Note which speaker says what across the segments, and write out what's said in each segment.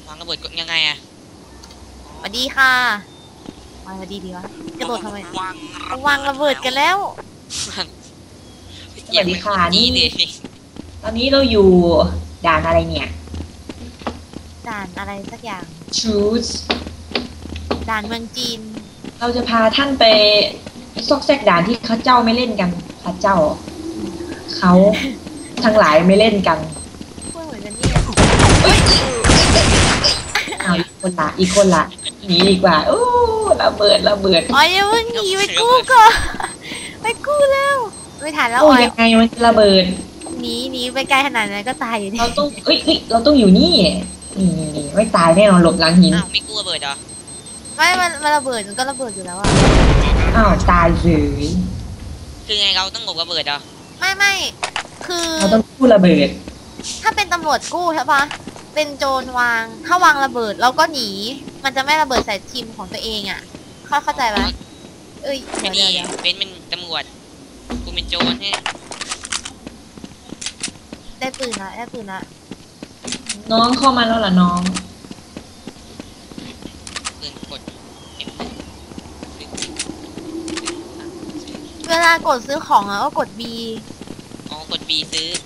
Speaker 1: วางระเบิดกดยังไงอะ
Speaker 2: สวัสดีค่ะสวัสดีดีวะกระโดดทำไมวางระเบิดกันแล้ว
Speaker 3: สวัสดีค่ะนี่
Speaker 1: ดิ
Speaker 3: ตอนนี้เราอยู่ด่านอะไรเนี่ย
Speaker 2: ด่านอะไรสักอย่าง
Speaker 3: Choose
Speaker 2: ด่านเมืองจีน
Speaker 3: เราจะพาท่านไปซอกแซกด่านที่เขาเจ้าไม่เล่นกันพระเจ้า เขาทั้งหลายไม่เล่นกัน
Speaker 2: พูดเหมือนกันเนี่ย
Speaker 3: เอาอีกคนละหนีดีกว่าโอ้ระเบิด
Speaker 2: อ๋ออย่าเพิ่งหนีไปกู้ก่อนไปกู้แล้วไม่ทันแล้ว
Speaker 3: โอ้
Speaker 2: อ๋อย
Speaker 3: ยังไงมันจะระเบิด
Speaker 2: หนีไปไกลขนาดนั้นก็ตายอยู่ดี
Speaker 3: เราต้องเราต้องอยู่นี่นี่ไม่ตายแน่นอนหลบหลังหิน
Speaker 1: อ้าวไม่กลัวระเบิดเหรอ
Speaker 2: ไม่มันระเบิดมันก็ระเบิดอยู่แล้วอะ
Speaker 3: อ้าวตายเลย
Speaker 1: คือไงเราต้องหลบระเบิดเหรอ
Speaker 2: ไม่คือ
Speaker 3: เราต้องกู้ระเบิด
Speaker 2: ถ้าเป็นตำรวจกู้ใช่ปะเป็นโจรวางถ้าวางระเบิดเราก็หนีมันจะไม่ระเบิดใส่ทีมของตัวเองอะเข้าใจปะเอ้ย
Speaker 1: ไอ้
Speaker 2: เดี๋
Speaker 1: นี่
Speaker 2: ยว
Speaker 1: เป็นตำรวจกูเป็นโจรเนี่ย
Speaker 2: ได้ปืนละ
Speaker 3: น้องเข้ามาแล้วล่ะน้อง
Speaker 1: ปืนกด
Speaker 2: เวลากดซื้อของอะก็กด B
Speaker 1: อ๋อกด B ซื้อ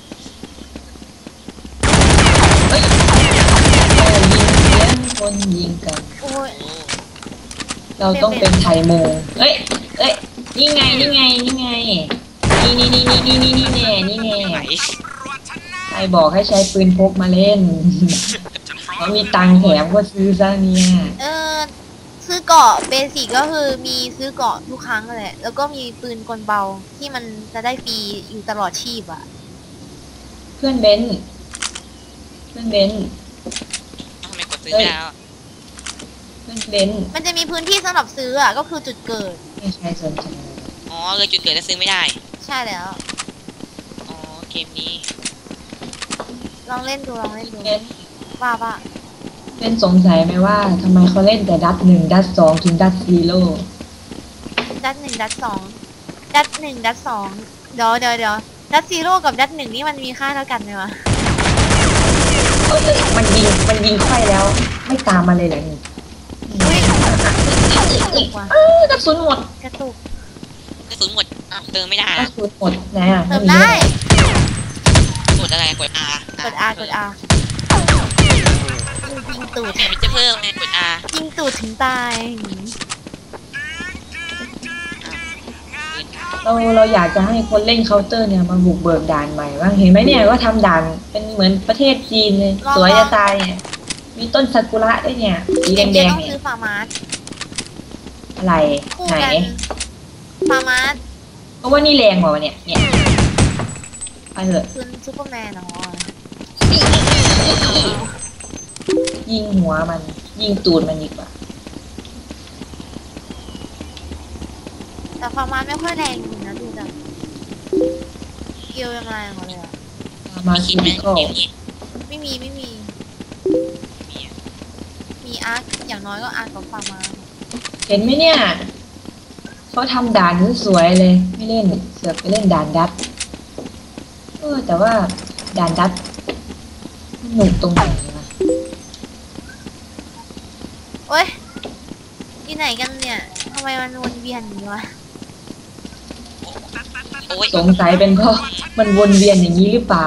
Speaker 3: ยิงคนยิงกัน
Speaker 2: โอ้ย
Speaker 1: โอ้
Speaker 3: เราต้องเป็นไทยโมเอ้ยนี่ไงนี่แน่นี่ไงใครบอกให้ใช้ปืนพกมาเล่น เขามีตังค์แถมก็ซื้อซะเนี่ย
Speaker 2: ซื้อเกราะเบสิกก็คือมีซื้อเกราะทุกครั้งแหละแล้วก็มีปืนกลเบาที่มันจะได้ฟรีอยู่ตลอดชีพอะ
Speaker 3: เพื่อนเบนซ์
Speaker 1: ทำไมกดซื้อไม่ได้แล้ว
Speaker 3: เพื่อนเบนซ์
Speaker 2: มันจะมีพื้นที่สำหรับซื้ออะก็คือจุดเกิด
Speaker 3: ไม่ใช่สนใจ
Speaker 1: อ๋อเลยจุดเกิดแล้วซื้อไม่ได้
Speaker 2: ใช่แล้ว
Speaker 1: อ๋อเกมนี้
Speaker 2: ลองเล่นดู
Speaker 3: เบนซ์
Speaker 2: ว่า
Speaker 3: เป็นสงสัยไหมว่าทำไมเขาเล่นแต่ดัด 1 ดัด 2 ถึงดัด 0
Speaker 2: ดัด 1 ดัด 2 ดัด 1 ดัด 2เดี๋ยวดัด 0กับดัด 1นี่มันมีค่าเท่ากันไหมวะ
Speaker 3: มันยิงไฟแล้ว ไม่ตามมาเลยเหรอนี่
Speaker 2: อุ้ยกระตุกว่ะ
Speaker 3: กระสุนหมด
Speaker 2: กระตุก
Speaker 1: กระสุนหมดอ้าวเติมไม่ได้
Speaker 3: กระ
Speaker 1: อะ
Speaker 3: สุนหมดนะ
Speaker 2: เติมได้
Speaker 1: กดอะไรกด R
Speaker 2: กด R ยิงตูด
Speaker 1: มันจะเพิ่มไงกด R
Speaker 2: ยิงตูดถึงตาย
Speaker 3: เราอยากจะให้คนเล่นเคาน์เตอร์เนี่ยมาบุกเบิกด่านใหม่บ้างเห็นไหมเนี่ยว่าทำด่านเป็นเหมือนประเทศจีนเลยสวยจะตายเนี่ยมีต้นซากุระด้วยเนี่ยสีแดง
Speaker 2: ต้อง
Speaker 3: เนี่ย
Speaker 2: ซื้อฟาร์มาส
Speaker 3: อะไร
Speaker 2: คู่
Speaker 3: ไหน
Speaker 2: กันฟาร์มาส
Speaker 3: เพราะว่านี่แรงกว่าวะเนี่ยไปเถอะ
Speaker 2: คือซูเปอร์แมนเนาะ
Speaker 3: ยิงหัวมันยิงตูดมันดีกว่า
Speaker 2: แต่ฟาร์มาสไม่ค่อยแรงจริงนะดูจากเกียวยังไงหมดเลยอะ
Speaker 3: มา
Speaker 1: มี
Speaker 3: คิ
Speaker 1: คิดไหม
Speaker 3: มิคอล
Speaker 1: เกมนี้
Speaker 2: ไม่มี
Speaker 1: มีอะ
Speaker 2: มีอาร์คอย่างน้อยก็อาร์คกับฟาร์มาส
Speaker 3: เห็นไหมเนี่ยเขาทำด่านสวยๆเลยไม่เล่นเสือกไปเล่นด่านดัดแต่ว่าด่านดัดหนุกตรงไหนวะ
Speaker 2: โอ๊ยที่ไหนกันเนี่ยทำไมมันวนเวียนอย่างนี้วะ
Speaker 1: โอ้ย
Speaker 3: สงสัยเป็นเพราะมันวนเวียนอย่างนี้หรือเปล่า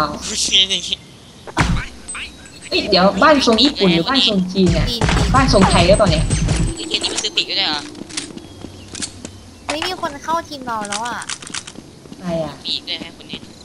Speaker 3: เอ้ยเดี๋ยวบ้านทรงญี่ปุ่นหรือบ้านทรงจีนเนี่ย
Speaker 2: จีน
Speaker 3: บ้านทรงไทยหรือเปล่าเนี่ย
Speaker 1: เกมนี้มันซื้อปีกด้วยเหรอ
Speaker 2: เฮ้ยมีคนเข้าทีมเราแล้วอ่ะ
Speaker 3: อะไรอ่ะ
Speaker 1: ปีกด้วยฮะคนนี้